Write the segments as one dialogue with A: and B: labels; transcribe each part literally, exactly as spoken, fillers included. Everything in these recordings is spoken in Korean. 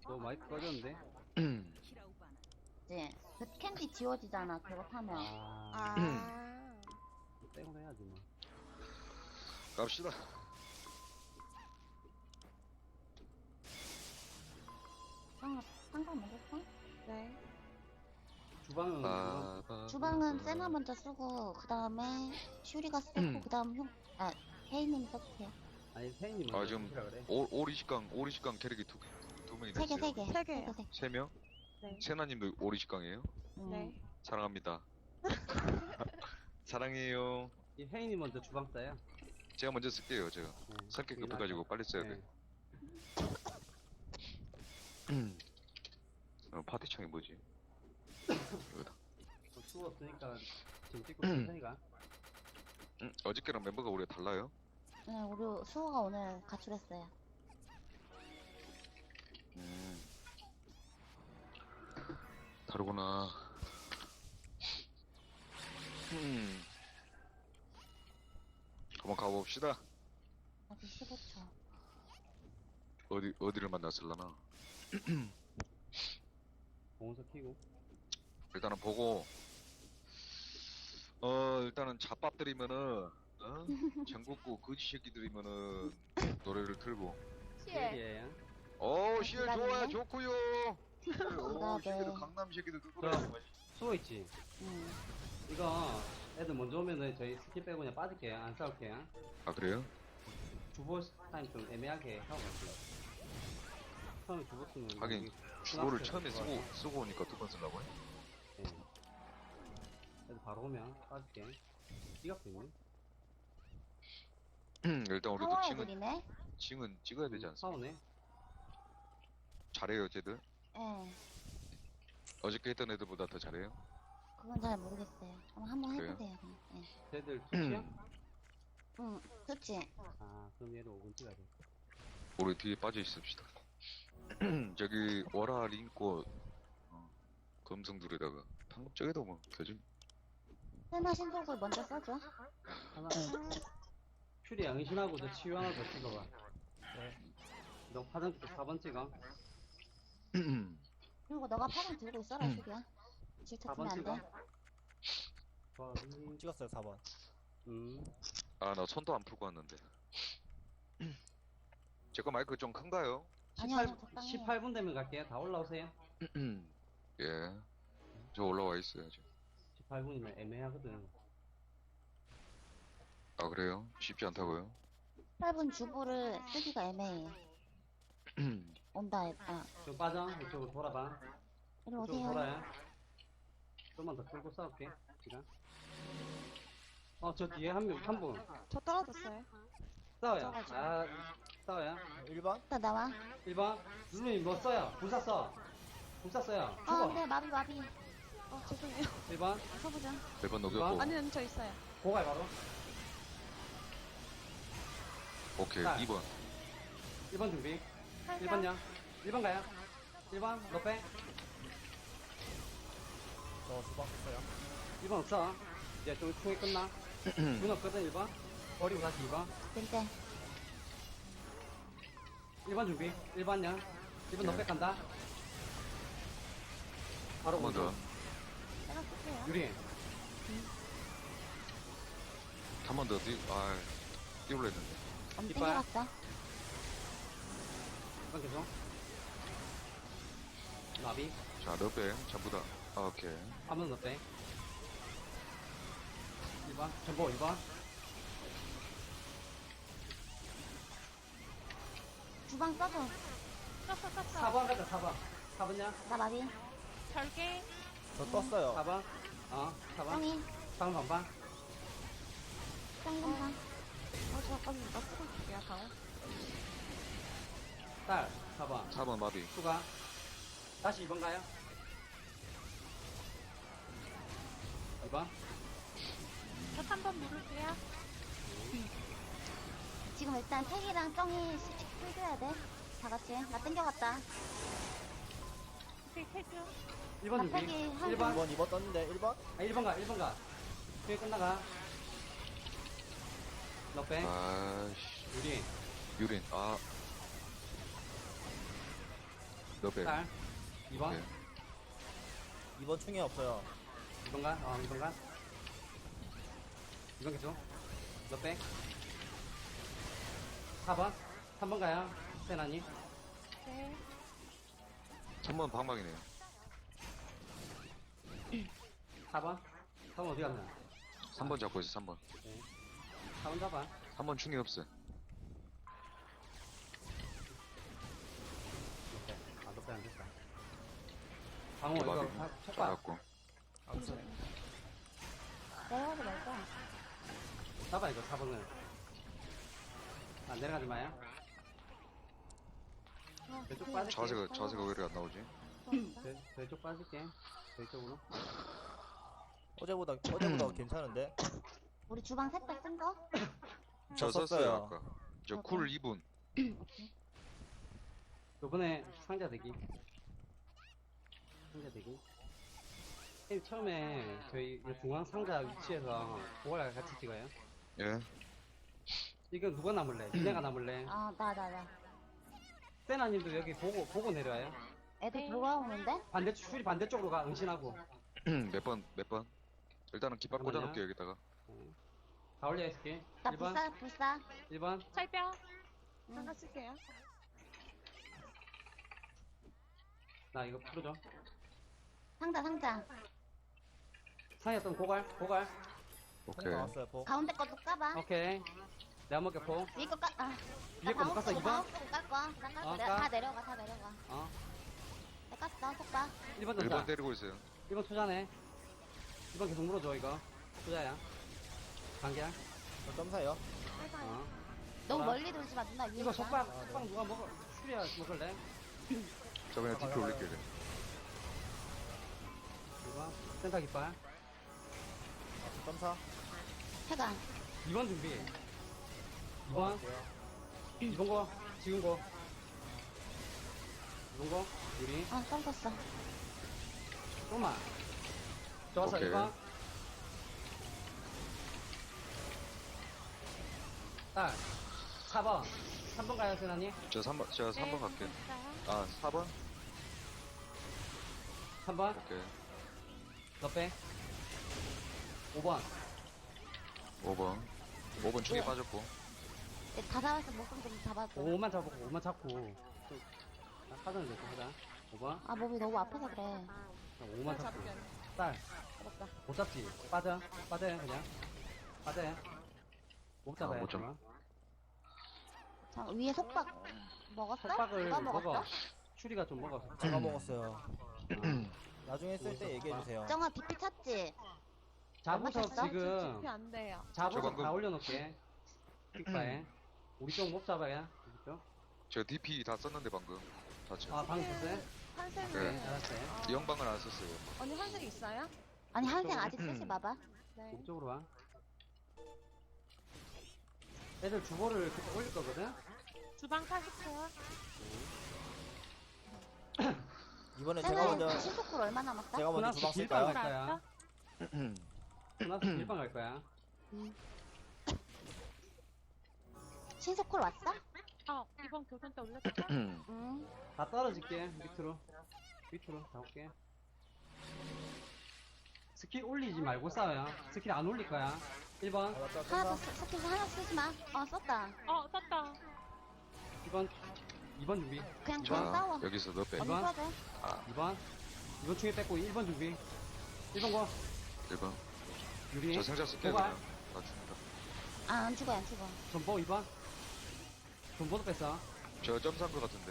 A: 너 마이크 꺼졌는데?
B: 이제 그 캔디 지워지잖아. 그거 타면.
A: 아,
C: 아.
A: 땡으로 해야지 뭐.
D: 갑시다.
B: 상 상관 먹었어?
C: 네.
A: 주방은
D: 아, 아,
B: 주방은 세나 먼저 쓰고 그 다음에 슈리가 쓰고 그 다음 형, 아 혜인님이 써주세요.
A: 아니 세인님
D: 아, 지금
A: 그래.
D: 오, 오리식강, 오리식강 캐릭이 두, 두 명이
B: 세 개,
D: 됐어요.
B: 세 개,
C: 세 개요.
B: 세 개.
D: 세 명?
C: 네.
D: 세나님도 오리식강이에요?
B: 음.
C: 네.
D: 사랑합니다. 사랑해요.
A: 이 혜인이 먼저 주방 써요.
D: 제가 먼저 쓸게요, 제가.
A: 네.
D: 성격 급해가지고 빨리 써야
A: 네.
D: 돼. 어, 파티창이 뭐지? 여기다.
A: 어, 추웠으니까 지금 찍고 천천히 가.
D: 응? 어저께랑 멤버가 우리가 달라요?
B: 네, 우리 수호가 오늘 가출했어요.
D: 음. 다르구나. 음. 한번 가봅시다.
B: 아직 십오 초.
D: 어디, 어디를 만났을라나?
A: 공원서 키고.
D: 일단은 보고, 어, 일단은 잡밥들이면은, 어? 전국구 거지 새끼들이면은, 노래를 틀고.
A: 예.
D: 어, 시엘
B: 기다리네.
D: 좋아요, 좋구요. 어,
B: 기다려.
D: 새끼들, 강남 새끼들
A: 저
D: 누구라.
A: 수호 있지.
B: 음.
A: 이거 애들 먼저 오면은 저희 스킵 빼고 그냥 빠질게요. 안 싸울게요.
D: 아, 그래요?
A: 주보 타임 좀 애매하게 하고 갈게요. 처음에 주보 쓰면
D: 하긴,
A: 여기
D: 주보를
A: 클라스
D: 처음에 쓰고,
A: 들어가서.
D: 쓰고 오니까 두 번 쓰려고 해?
A: 네. 애들 바로 오면 빠질게. 띠갑도 있네.
D: 일단 우리도
B: 상황
D: 징은,
B: 애들이네?
D: 징은 찍어야 되지 않습니까?
A: 사오네.
D: 잘해요, 쟤들?
B: 예.
D: 어저께 했던 애들보다 더 잘해요?
B: 그건 잘 모르겠어요. 한번 한번
D: 그래요?
B: 해보세요. 그냥. 예.
A: 쟤들 투치야?
B: 응, 그치?
A: 아, 그럼 얘를 오 분 찍어야 돼.
D: 우리 뒤에 빠져 있읍시다. 저기, 월화 링꽃, 어, 검성들에다가, 방금 저기도 뭐, 되지?
B: 세나 신속을 먼저 써줘.
A: 하나. 큐리 양신하고 저 치유 하나 더 찍어봐. 네. 너 화장실 사 번 찍어.
B: 그리고 너가 파랑 들고 있어라, 슈리야. 질차
A: 사 번
B: 치면 안
A: 찍어.
B: 돼.
A: 좋아. 음.
E: 찍었어요 사 번.
A: 음.
D: 아, 나 손도 안 풀고 왔는데. 제 거 마이크 좀 큰가요?
B: 아니요, 아니요, 적당히.
A: 십팔 분 되면 갈게요. 다 올라오세요.
D: 예. 저 올라와 있어요, 지금.
A: 십팔 분이면 애매하거든.
D: 아, 그래요? 쉽지 않다고요?
B: 십팔 분 주부를 쓰기가 애매해. 온다, 아,
A: 좀 빠져. 이쪽으로 돌아봐.
B: 이리
A: 이쪽으로
B: 오세요.
A: 돌아요. 좀만 더 끌고 싸울게. 시간. 어, 저 뒤에 한 명, 한 분.
C: 저 떨어졌어요.
A: 싸워요.
B: 저거, 저거.
A: 아, 싸워요.
E: 일 번?
B: 일단 나와.
A: 일 번. 누누이 뭐 써요? 불사 써. 불사 써요.
B: 아,
A: 죽어.
B: 네, 마비, 마비.
C: 어, 죄송해요.
A: 일 번.
B: 써보자.
D: 몇 번 녹였고.
C: 아니, 아니, 저 있어요.
A: 고갈 바로.
D: 오케이,
A: 자.
D: 이 번.
A: 일 번 준비. 일 번요. 일 번 가요. 일 번, 너 빼.
E: 저 주방 했어요.
A: 일 번 없어. 이제 좀 충이 끝나. 문 없거든, 일 번. 버리고 다시 이 번.
B: 땡땡.
A: 일 번 준비. 일 번요. 일 번 너 빼 간다. 바로
D: 한 번 더.
A: 오죠.
B: 내가 쓸게요.
A: 유리.
D: 한 번 더, 뛰, 아, 뛰올라 했는데.
B: 엄
A: 이빨.
B: 땡겨갔어.
A: 일 번 계속. 나비.
D: 자, 너 빼. 전부 다. 아, 오케이.
A: 한 번 더 빼. 일 번. 전보 일 번.
B: 주방 써줘.
C: 떴어, 떴어.
A: 사 번 가자, 사 번. 사 번요.
B: 나 마비.
C: 별개.
E: 저 떴어요.
A: 사 번. 어, 사 번.
B: 짱이.
A: 사 번 반반.
B: 짱이 검사.
C: 어, 저 아까 나 쓰고 있을게요, 강호.
A: 딸. 사 번.
D: 사 번 마비.
A: 추가. 다시 이 번 가요. 이 번.
C: 저 삼 번 누를게요.
B: 지금 일단 택이랑 짱이 풀줘야 돼. 다 같이. 나 땡겨갔다.
C: 오케이, 태주.
A: 일 번 준비.
B: 갑자기 한
A: 일 번.
E: 일 번, 이 번 떴는데 일 번?
A: 아, 일 번 가, 일 번 가. 뒤에 끝나가. 너 빼.
D: 아이씨.
A: 유리.
D: 유린. 아, 너빼.
A: 딸. 이 번.
D: 네.
E: 이 번 충이 없어요.
A: 이 번 가. 어, 이 번 가. 이 번 계속. 너 빼. 사 번. 삼 번 가요. 세나님.
C: 네.
D: 삼 번 방망이네요.
A: 사 번. 사 번 어디 갔나?
D: 삼 번 잡고 있어, 삼 번.
A: 사 번 잡아.
D: 삼 번 충이 없어요.
A: 너 빼. 아, 너 빼 안 됐다. 방어
D: 이렇게
A: 이거
D: 마비
A: 다- 촉박.
D: 잡았고.
E: 암수.
B: 내려가지 말자.
A: 잡아 이거 사 번을. 아, 내려가지 마요.
C: 어,
A: 왼쪽
C: 그-
A: 빠질게.
D: 자세가, 자세가 왜 이렇게 안 나오지?
A: 저, 저쪽 빠질게. 저쪽으로.
E: 어제보다 어제보다 괜찮은데?
B: 우리 주방 셋 다 쓴 거?
D: 저
E: 저
D: 썼어요,
E: 썼어요.
D: 아까. 저 쿨 이 분.
A: 요번에 상자 대기. 상자 대기. 쌤 처음에 저희 이 중앙 상자 위치에서 고갈 같이 찍어요.
D: 예.
A: 이거 누가 남을래? 니네가 남을래?
B: 아, 나, 나, 나.
A: 세나님도 여기 보고 보고 내려와요.
B: 애들
C: 네.
B: 돌아오는데?
A: 반대 줄이 반대쪽으로 가. 응신하고.
D: 몇 번, 몇 번? 일단은 깃발
A: 잠깐만요.
D: 꽂아놓을게요, 여기다가.
A: 다 올려 있을게.
B: 나
A: 일 번,
B: 불사, 불사.
A: 일 번.
C: 철벽.
B: 응.
C: 하나 쓸게요.
A: 나 이거 풀어줘.
B: 상자, 상자.
A: 상했던 고갈, 고갈.
E: 폭
D: 오케이.
E: 나왔어요, 폭.
B: 가운데 것도 까봐.
A: 오케이. 내가 먹게 포.
B: 위에 거 까, 아.
A: 위에 거못 깠어, 이 번?
B: 방어 쓰고 깔 거야. 나 깔
A: 어,
B: 거.
A: 까.
B: 다 내려가, 다 내려가.
A: 어.
B: 나 깠어, 속박.
A: 일 번
D: 일 번
A: 던져.
D: 때리고 있어요.
A: 일 번 투자네. 이 번 계속 물어줘, 이거. 투자야. 관계야.
E: 저 점사요.
A: 어.
B: 너무
A: 뭐라?
B: 멀리 돌지 마, 누나 위에
A: 이거
B: 있다.
A: 속박,
E: 아, 네.
A: 속박 누가 먹어? 수리야, 먹을래?
D: 저 그냥 디피 올릴게요. 그냥.
A: 이거. 센터 깃발.
E: 아, 저 점사.
B: 해가.
A: 이 번 준비. 이 번.
E: 할게요.
A: 이 번 거. 지금 거. 이 번 거. 유리.
B: 어, 썸 떴어.
A: 조금만. 좋았어,
D: 오케이.
A: 일 번. 딸. 사 번. 삼 번 가요, 세나님.
D: 저 삼 번, 제가 삼 번
C: 네,
D: 갈게요.
C: 있어요.
D: 아, 사 번?
A: 삼 번.
D: 오케이.
A: 너 빼. 오 번.
D: 오 번. 오 번 충이
B: 네.
D: 빠졌고.
B: 얘다 잡았어, 목숨 좀 잡아줘.
A: 오만 잡고, 오만 잡고. 좀, 나 사전을 내고 하자. 오 번.
B: 아, 몸이 너무 아파서 그래.
A: 오만 잡고. 딸.
B: 잡았다.
A: 못 잡지. 빠져. 빠져요, 그냥. 빠져요. 못 잡아요.
D: 아, 못 잡-
A: 그러면.
B: 자, 위에 속박 먹었어?
A: 속박을
B: 누가
A: 먹어.
B: 먹었어?
A: 추리가 좀 먹었어.
E: 제가 먹었어요.
A: 어.
E: 나중에 쓸 때 얘기해 주세요.
B: 정아 비피 찾지?
A: 자부석
B: 맞췄어?
A: 지금
C: 지피 안 돼요.
A: 자부석
D: 저 방금-
A: 다 올려놓게. 픽바에. 우리 쪽 못 잡아야. 우리 쪽.
D: 저 디피 다 썼는데, 방금. 다쳐.
A: 아, 방금 썼어요?
C: 환생.
D: 네.
A: 네, 알았어요.
D: 영방은 안 썼어요.
C: 언니 환생 있어요?
B: 아니 한생
A: 좀-
B: 아직 쓰지 마봐.
C: 네.
A: 우리 쪽으로 와. 애들 주보를 그때 올릴 거거든?
C: 주방 사십 초.
E: 이번에 제가
B: 쟤는
E: 먼저
B: 신속쿨 얼마 남았어?
E: 제가 먼저
A: 코나스
E: 주방
A: 길빵 갈
E: 쓸까요?
A: 거야. 코나스 길빵 갈 거야.
B: 신속쿨 왔어?
C: 어, 이번 교전 때 올려줄까?
B: 응.
A: 다 떨어질게. 밑으로. 밑으로 다 올게. 스킬 올리지 말고 싸워요. 스킬 안 올릴 거야. 일 번,
E: 아, 맞다,
B: 하나 더
E: 점사.
B: 쓰, 스킬 하나 쓰지 마. 어 썼다.
C: 어, 썼다.
A: 이 번, 이 번 준비.
B: 그냥 그냥 싸워.
D: 자, 여기서 너 빼.
B: 언니
A: 번.
B: 써도 돼.
A: 이 번, 이 번 충에 뺐고 일 번 준비. 일 번 거.
D: 일 번.
A: 유리.
D: 저 생자 쓸게요,
A: 고갈.
D: 그냥. 다 줍니다.
B: 아, 안 죽어 안 죽어.
A: 전보 이 번. 전보도 뺐어.
D: 저 점사한 거 같은데.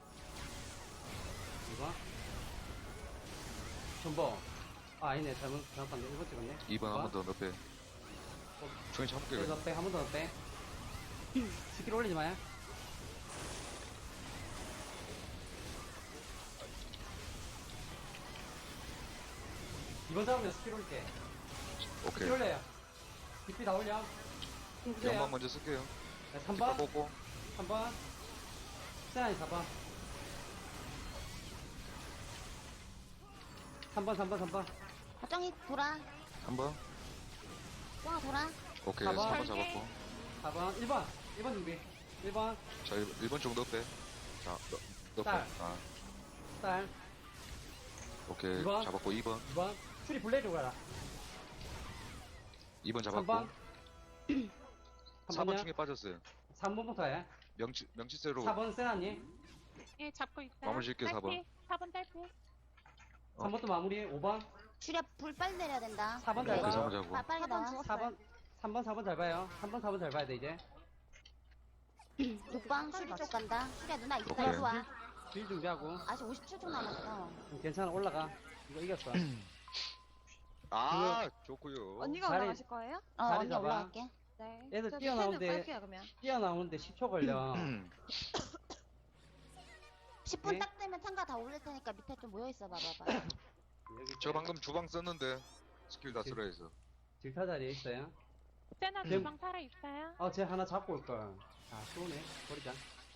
A: 이 번. 전보. 아, 아니네. 잘못, 잘못 봤네. 일 번 찍었네.
D: 이 번 한 번 더 너 빼. 충이 참을게요,
A: 그래서
D: 그냥.
A: 빼. 한 번 더 빼. 스킬 올리지 마요. 이 번 잡으면 스킬 올릴게. 스킬
D: 오케이.
A: 올려요. 디피 다 올려. 힘 주세요.
D: 영방 먼저 쓸게요.
A: 네, 삼
D: 깃발
A: 번.
D: 꽂고.
A: 삼 번. 세안이 사 번. 삼 번, 삼 번, 삼 번.
B: 걱정이 돌아.
D: 한 번.
B: 쫑아 돌아.
D: 오케이.
A: 사 번.
D: 사 번 잡았고.
A: 사 번. 일 번. 일 번 준비. 일 번.
D: 자, 일 번 정도 빼. 자, 너, 너 빼.
A: 딸.
D: 아,
A: 딸.
D: 오케이.
A: 이번.
D: 잡았고 이 번.
A: 이 번. 추리 블레이드 가라.
D: 이 번
A: 삼
D: 잡았고.
A: 번.
D: 사 번 중에 빠졌어요.
A: 삼 번부터 해.
D: 명치 명치세로
A: 사 번 세나니.
C: 예, 잡고 있어요.
D: 마무리 짓게, 사 번.
C: 딸피, 사 번 딸피.
A: 삼 번도 마무리. 오 번.
B: 슈리야 불 빨리 내려야 된다.
A: 사 번
D: 네,
A: 잘
D: 그
A: 봐.
D: 삼 번 잡고.
B: 빠- 빨리
C: 사 번
B: 나와.
C: 죽었어요.
A: 사 번. 삼 번, 사 번 잘 봐요. 삼 번, 사 번 잘 봐야 돼, 이제.
B: 육 번 슈리 쪽 간다. 슈리야 누나 있어.
D: 오케이.
B: 이리 와.
A: 딜 준비하고.
B: 아직 오십칠 초 남았어.
A: 음, 괜찮아, 올라가. 이거 이겼어.
D: 아, 좋고요.
C: 언니가
A: 자리-
C: 올라가실 거예요?
B: 어
A: 자리
B: 언니
A: 잡아.
B: 올라갈게.
C: 네.
A: 애들
C: 저
A: 뛰어나오는데-
C: 밑에는 빨게요, 그러면.
A: 뛰어나오는데 십 초 걸려.
B: 십 분
A: 네.
B: 딱 되면 참가 다 올릴 테니까 밑에 좀 모여 있어 봐봐봐.
A: 여기
D: 저 방금 주방 썼는데 스킬 다 쓰라 해서.
A: 질타 자리에 있어요.
C: 세나
A: 네.
C: 주방 살아 있어요?
A: 어, 쟤 하나 잡고 올걸. 아, 쏘네. 버리자.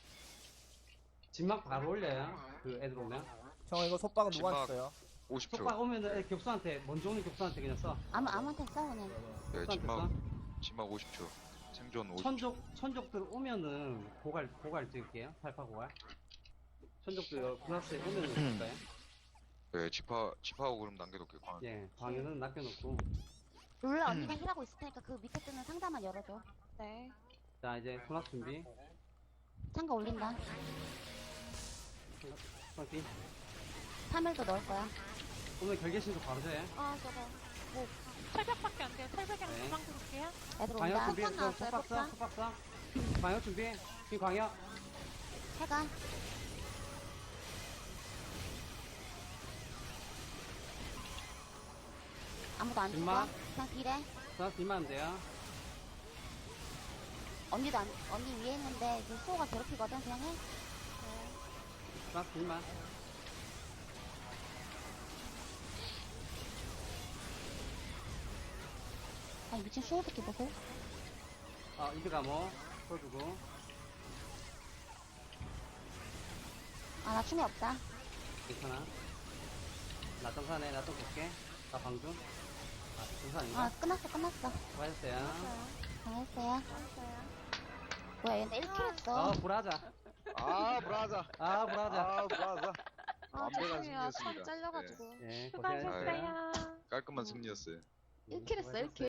A: 진막 바로 올려요. 그 애들 오면.
E: 형 이거 속박은 누구한테
D: 진막.
E: 써요?
D: 오십 초.
A: 속박 오면은 애 격수한테, 먼저 오는 격수한테 그냥 써.
B: 아무 아무한테 써 그냥.
E: 네네.
D: 네,
A: 격수한테
D: 진막
A: 써.
D: 진막 오십 초. 생존 오십 초.
A: 천족, 천족들 오면은 고갈, 고갈 찍을게요. 팔파 고갈. 천족들 군합스에 오면은 찍을까요?
D: 네, 지파 지파하고 그럼 남겨놓을게요. 광.
A: 예, 방에는 낚여놓고.
B: 룰라 언니가 힐하고 있을 테니까 그 밑에 뜨는 상자만 열어줘.
C: 네.
A: 자, 이제 군합 준비.
B: 참가 올린다.
A: 파티.
B: 파멸도 넣을 거야.
A: 오늘 결계신도 바로 돼.
C: 아, 저거. 뭐, 철벽밖에 안 돼요. 철벽이랑
A: 네.
C: 주방 들을게요.
B: 애들
A: 광역
B: 온다.
A: 준비.
C: 폭탄 나왔어요,
A: 속박 써,
C: 폭탄.
A: 속박 써. 광역 준비. 지금 광역.
B: 해가. 아무도 안 죽어.
A: 임마.
B: 그냥 딜해.
A: 군합 딜만 하면 돼요.
B: 언니도 안, 언니 위에 있는데 이제 수호가 괴롭히거든. 그냥 해.
A: 군합 딜만.
B: 아니 미친 수호 새끼 보소.
A: 어, 이드 가모. 풀어주고.
B: 아 나 충이 없다.
A: 괜찮아. 나 점사네. 나 좀 볼게. 나 방금. 아, 점사 아닌가?
B: 아 끝났어 끝났어.
A: 수고하셨어요.
B: 잘했어요.
C: 알았어요.
B: 뭐야 얘네 일 킬
A: 어,
B: 했어.
A: 브라자.
D: 아, 브라자.
A: 아, 브라자.
D: 아, 브라자.
C: 아,
D: 완벽한
C: 죄송해요.
D: 승리였습니다.
C: 다 잘려가지고.
A: 예, 고생하셨어요.
C: 수고하셨어요.
D: 깔끔한 승리였어요.
B: 일 킬 했어 일 킬.